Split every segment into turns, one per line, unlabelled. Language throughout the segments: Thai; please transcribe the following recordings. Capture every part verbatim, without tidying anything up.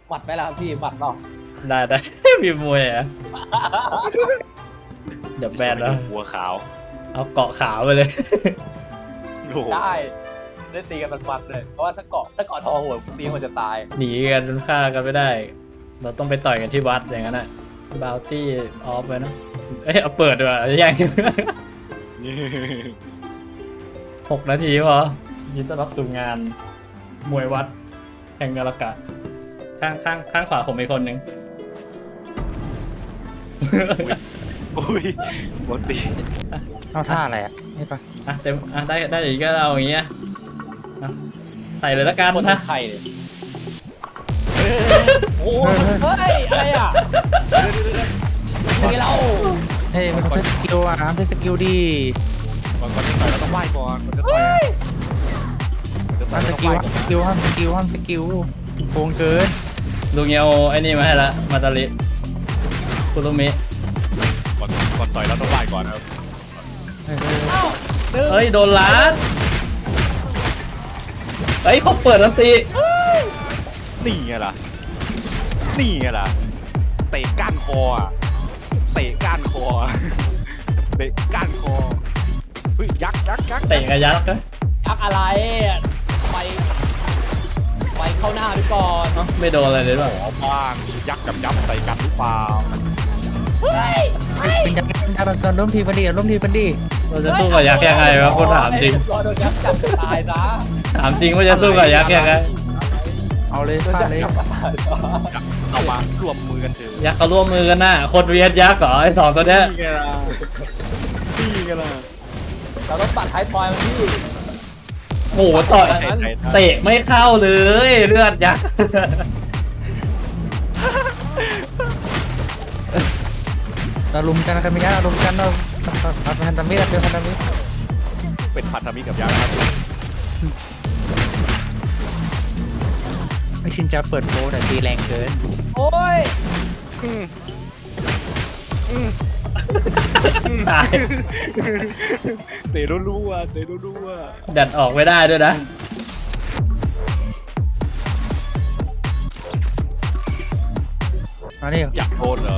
หมัดไปแล้วครับพี่หมัดเนาะ
ได้ได้ มีมวยอ่ะเดี๋ยวแบนแล้ว
หัวขาว
เอาเกาะขาวไปเลย
โอ้โห
ได้ได้ตีกันมันๆเลยเพราะว่าถ้าเกาะถ้าเกาะทองหัวตีมันจะตาย
หนีกันจนฆ่ากันไม่ได้ เราต้องไปต่อยกันที่วัดอย่างนั้นอ่ะบาวตี้ออฟไปนะเอ้ยเอาเปิดดีกว่าแย่ง หกนาทีพอยินต้อนรับสู่งานมวยวัดแห่งกาลกะข้างข้างข้างขวาผมมีคนหนึ่ง
อุ้ยบอลตี
เอาท่าอะไรอ่ะนี่ปะ
อ่ะเต็มอ่ะได้ได้อย่างนี้ก็เอาอย่างเงี้ยอ่ะใส่เลยละกัน
คน
นะ
ไข่เลยโอ้ยเฮ้ยอะไรอ่ะยังไงเรา
เฮ้ยมันต้องใช้สกิลอ่ะน้ำใช้สกิลดี
ก่อนก่อนจะต่อยเราต้องไหว้ก่อนก่อนจะต่อยก่อนจะต่อ
ห้าย มส
เราต้อง
กิ
ไห
ล
ว้ก่อน
ห้ามสกิลห้ามสกิลห้ามสกิลโกงเกิน
ลุงเงี้ยเอาไอ้นี่มาให้ละมาตาลิคุรุมิ
ก่อนก่อนต่อยเราต้องไหว้ก่อนครับ
เฮ้ย
เอ้าดึง
เฮ้ยโดนล้านเฮ้ยเขาเปิดลันตี
นี่ไงล่ะนี่ไงล่ะเตะก้านคออ่ะเตะก้านคอเตะก้านคอเฮ้ยยักษ์ยักษ์ยักษ์
เตะกระยักษ์นะ
ยักษ์อะไรไปไปเข้าหน้าไปก่อน
เอ้าไม่โดนอะไรเลยหรอ
ขอบ้างยักษ์กับยักษ์ใส่กันหรือเปล่า
เฮ้ย
เป็นยังไงเป็นยังไงจอนร่วมทีมกันดีร่วมทีมกันดี
เราจะสู้กับยักษ์ยังไงวะคนถามจริง
รอโดนยักษ์จับตายซะ
ถามจริงว่าจะสู้กับยักษ์ยังไง
เอาเลย
โดน
ฟา
ยั
ด
กษ์
เลย
จับตายซะ
ยักษ์เอามารวมมือกันเถอะ
ยักษ์เขาร่วมมือกันน่ะคนเวียดยักษ์เหรอไอ้สองตัวเนี้ย
นี่ไงล่ะนี่ไงล่ะ
เราต้องปัดท้ายทอยมันที่
โอ้โหต่อยเตะไม่เข้าเลยเลือดยักษ์
เราลุมกันกันไม่กันเราลุมกันเราพันพันธมิตรเป็นพันธมิตร
เป็นพันธมิตรกับยักษ์นะครับ
ไม่ชินจะเปิดโบแต่ตีแรงเกิน
โอ้ย
อืม
ตาย
เตะรู้ๆอ่ะเตะรู้ๆอ่ะ
ดัดออกไม่ได้ด้วยนะ
เอานี่
อยากโดนเหรอ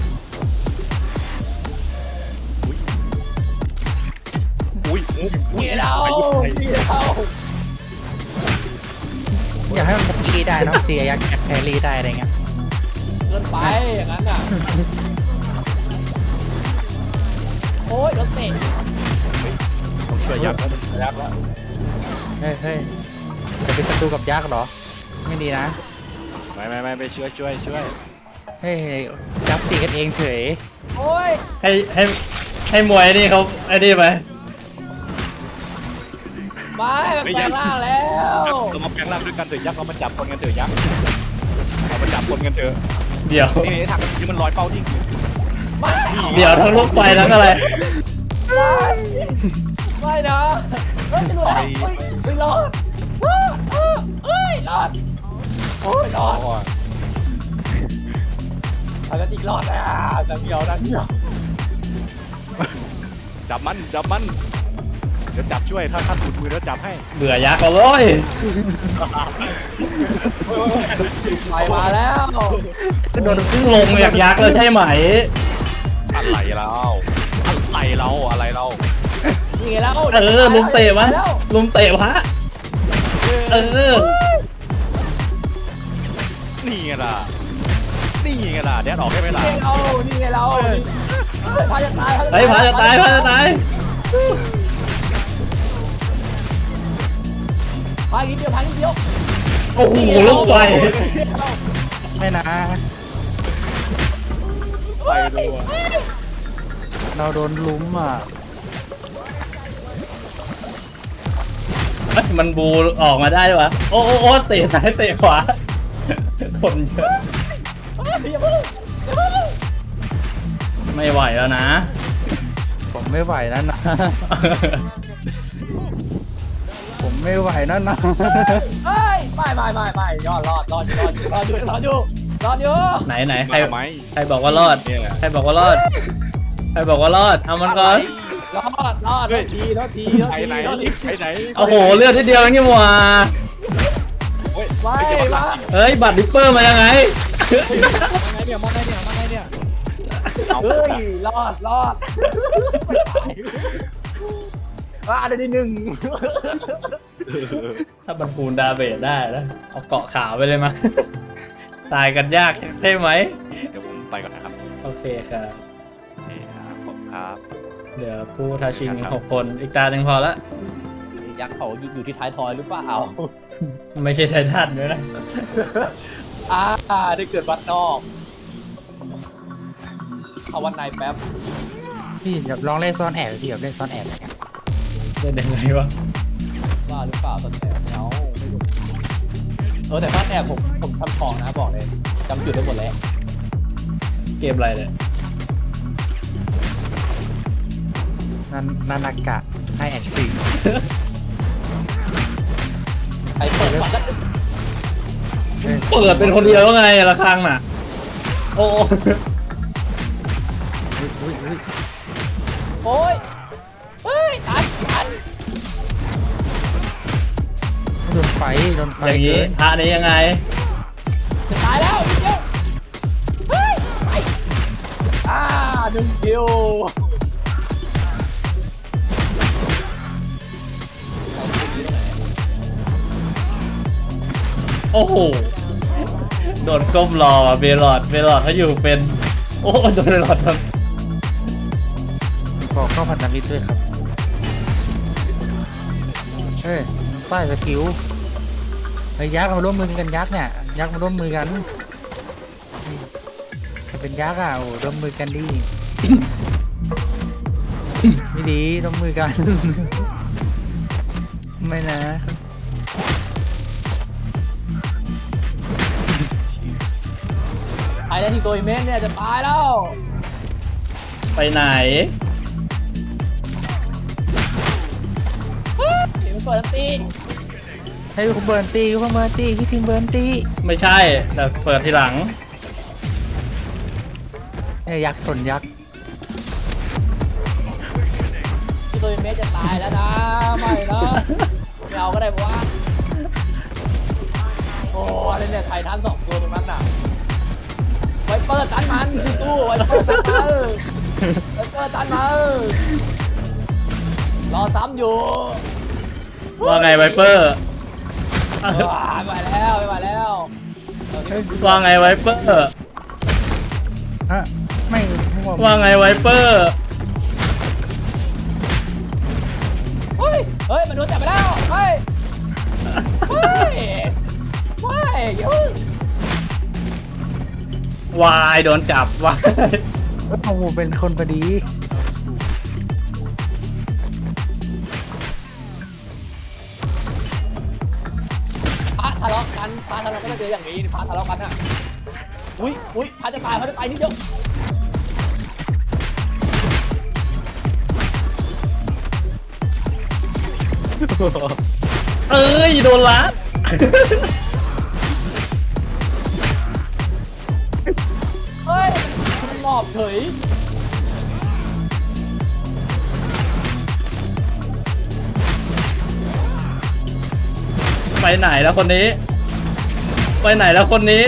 อุ้ยอุ้ยอุ้ย
เกี่ยวเรา
ไปยุบไป
เกี่ยวเรา
อยากให้มันตีได้เนาะตียักษ์แครี่ได้อะไรเงี้ย
เกินไปอย่างนั้นอ่ะโอ้ยรถเตะ
ต้องช่วยยักษ์แล้วยักษ์แล้ว
เฮ้ยเฮ้ยจะเป็นศัตรูกับยักษ์เหรอไม่ดีนะ
ไม่ไม่ไม่ไปช่วยช่วยช่วย
เฮ้ยยักษ์ตีกันเองเฉย
โอ้ย
ให้ให้ให้มวยนี่เขาไอ้นี่ไป
ไม่มันแปลงร่างแล้ว
เรามาแปลงร่างด้วยกันเถอะยักษ์เรามาจับคนกันเถอะยักษ์เรามาจับคนกันเถอะ
เดี๋ยว
นี่ทางนี้มันลอยเป้านิ่งอยู่
ไม่
เดี๋ยวทั้งลูกไฟทั้งอะไร
ไม่นะเฮ้ยรอดเฮ้ยไม่รอดเฮ้ยรอดโอ้ยร
อ๋
อ
อ
ดเอาแล้วอีกรอดอ่ะจะเดียวนะเดียว
จับมันจับมันเดี๋ยวจับช่วยถ้าท่านหลุดมือแล้วจับให้
เบื่อยักษ์เอาเลย
ไปมาแล้ว
ก็โดน
ซึ่งลงจากยักษ์แล้วใช่ไหม
อะไรเราอะไรเราอะไรเรา
นี่แล้ว
เออลุมเตะวะลุมเตะพระเออ
นี่ไงล่ะนี่ไงล่ะแดดออกได้ไหมล่ะ
นี่เรานี่ไงเราพาจะตาย
ไอ้ยพระจะตายพระจะตาย
พาอีกเดียวพาอีกเดียว
โอ้โหลูกไฟ
ไม่นะ
ไปดูอ่ะ
เราโดนลุ้มอ่ะ
เอ้ยมันบูออกมาได้ปะโอ้โอ้โอ้เตะซ้ายเตะขวาทนเยอะไม่ไหวแล้วนะ
ผมไม่ไหวแล้วนะ ผมไม่ไหวแล้วนะ
เฮ้ยไม่ไม่ไม่ไม่รอดรอดรอดรอดรอดอยู่รอดอยู่รอดอยู่
ไหนไหนใคร
มาไหม
ใครบอกว่ารอด
เนี่ย
ใครบอกว่ารอดใครบอกว่ารอดเอามันก่อน
รอดรอดรอดทีรอดทีรอด
ไป
ที
ไหน
รอดที
ไปไหน
โอ้โหเลือดทีเดียวนี่หว่า
โอ้ย
ไม่
เฮ้ย
ไม่
เดี๋ยว
เฮ้ยบัตรดิปเปอร์มายังไง
มาไงเนี่ยมาไงเนี่ยมาไงเนี่ยเอา
เฮ้ยรอดรอดว่าได้ที่หนึ่ง
ถ้ามันคูณดาเบจได้นะเอาเกาะขาวไปเลยมั้ย ตายกันยากใช่ไหม
เดี๋ยวผมไปก่อนนะครับ
โอเคครับ
โอเคครับผมครับ
เดี๋ยวผู้ท้าชิงหกคนอีกตาหนึ่งพอละ
ยักษ์เขาอยู่ที่ท้ายทอยหรือเปล่า
ไม่ใช่ไททันด้วยนะ
อ่าได้เกิดวัดนอกเอาวันในแป๊บ
พี่เดี๋ยวลองเล่นซ่อนแอบพี่แบบเล่นซ่อนแอบ
เล่นยังไงวะ
ว่าหรือเปล่าตอนแอบเงาไม่รู้เออแต่ถ้าแอบผมผมทำของนะบอกเลยจำจุดได้หมดแล้ว
เกมอะไรเนี่ย
นันนานากะให้แอนซี
ใครเปิดก่อนก็
เปิดเป็นคนเดียวแล้วไงละครั้งน่ะ โอ้
โอ้ยเฮ้ยตันตัน
โดนไฟโดนไฟ
อย่างนี้
เกิน
พระนี้ยังไง
จะตายแล้วเดี๋ยวเฮ้ยไปอ่าหนึ่งคิว
โอ้โห โดนก้มรอเบลอดเบลอดเขาอยู่เป็น โอ้โดนเบลอดครับ
ขอเข้าพันธมิตรด้วยครับเฮ้ยป้ายสกิลไอ้ยยักษ์มาร่วมมือกันยักษ์เนี่ยยักษ์มาร่วมมือกันถ้าเป็นยักษ์อ่ะโอ้ร่วมมือกันดี ไม่ดีร่วมมือกัน ไม่นะ
ไอ้แล้วที่ตัวอีเมนเนี่ยจะตายแล้ว
ไปไหน
เฮ้ยมันเปิดอันตี
ให้คุณเบิร์นตีคุณเบิร์นตีพี่ซิมเบิร์นตี
ไม่ใช่ แต่เปิดทีหลัง
เนี่ยยักษ์ชนยักษ์
ที่ตัวอีเมนจะตายแล้วนะไม่นะไม่เอาก็ได้เพราะว่าโอ้อะไรเนี่ยไททันสองตัวตรงนั้นน่ะไวเปอร์ตันมันสู้ๆไวเปอร์ตันมันไวเปอร์ตันมันรอซ้ำอยู่
ว่าไงไวเปอร์
ว้าไม่ไหวแล้วไม่ไหวแล้วตอนนี้
ว่าไงไวเปอร์
ฮะไม่ไม่ว่า
ว่าไงไวเปอร์
เฮ้ยเฮ้ยมันโดนจับไปแล้วเฮ้ยเฮ้ยเฮ้ยอย่าเพิ่ง
วายโดนจับวาย
โอ้โหเป็นคนพอดี
พระทะเลาะกันพระทะเลาะกันก็จะเจออย่างนี้พระทะเลาะกันอ่ะอุ้ยอุ้ยพระจะตายพระจะตายนิดเดียว
เอ้ยโดนลัด
เฮ้ยมันหมอบเฉย
ไปไหนแล้วคนนี้ ไปไหนแล้วคนนี้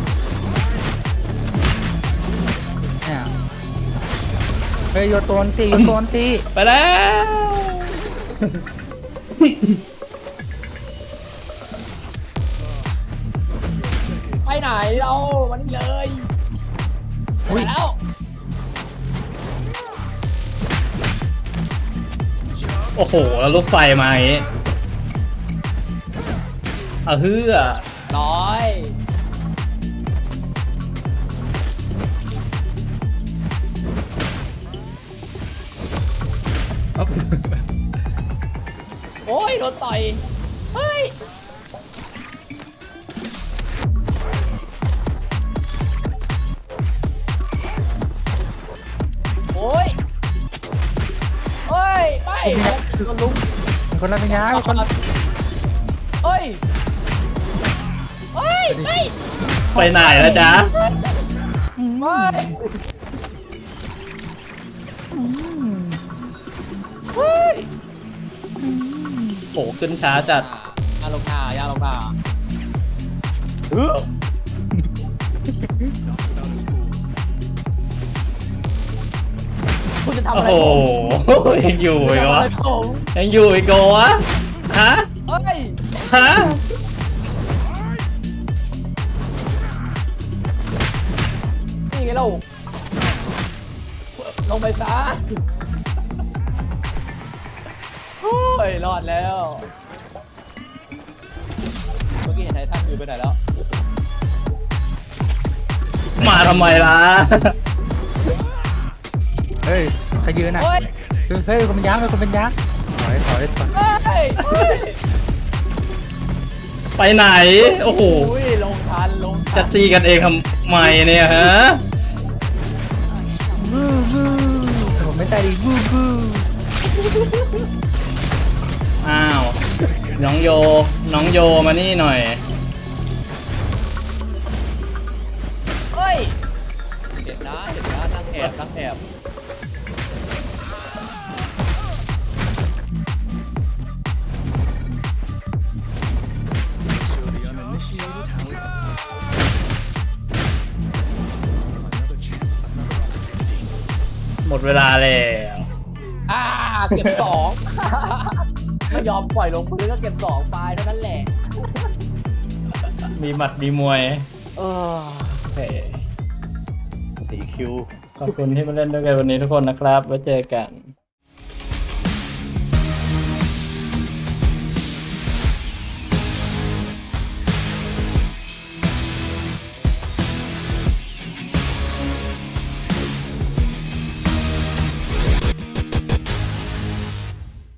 เนี่ยเฮ้ยโยนตัวอันตีโยนตัวอันตี
ไปแล้ว
ไปไหนเราวันนี้เลยไปแล้ว
โอ้โหแล้วลูกไฟมาอย่างงี้เอาเฮือ
ร้อยโอ้ยโดนต่อยเฮ้ยโอ้ยเฮ้ยไปโดนลุง
คนละเป็นยักษ์คน
เฮ้ยเฮ้ยไม่
ไปไหนแล้วจ๊ะ
ไม่ เฮ้ย
โอ้ขึ้นช้าจัด
ยาลงหน้ายาลงหน้า
เออ
คุณจะทำ
โอ้
อะไร
โห
ผม
ยังอยู่
คุณ
อี
จะ
ก
ทำ
วะ
อะไรผม
ยังอยู่อีกเหรอวะฮะ
เฮ้ย
ฮะ
นี่ไงเราลงไปซะเฮ้ยรอดแล้วเมื่อกี้เห็นไททันอยู่ไปไหนแล้ว
มาทำไมล่ะ
เฮ้ยใครยืนอ่ะ
เฮ้ย
เฮ้ยคนเป็นยักษ์เฮ้ยคนเป็นยักษ์ถอยถอยถอย
เฮ้ยเฮ้ย
ไปไหน โอ้โห
อุ้ยลงทันลงทั
จะ
น
ตีกันเองทำไมเนี่ยฮะ
วู้วู้ผมไม่ตายดีวู้วู้
อ้าว น้องโย น้องโยมานี่หน่อย
เฮ้ยเห็นนะเห็นนะนั่งแอบนั่งแอบ
หมดเวลาแล้ว
อ่าเก็บสอง ไม่ยอมปล่อยลงพื้นก็เก็บสองไปเท่านั้นแหละ
มีหมัดมีมวย
เออ
โอเค
ตีคิว
ขอบคุณที่มาเล่นด้วยกันวันนี้ทุกคนนะครับ ไว้เจอกัน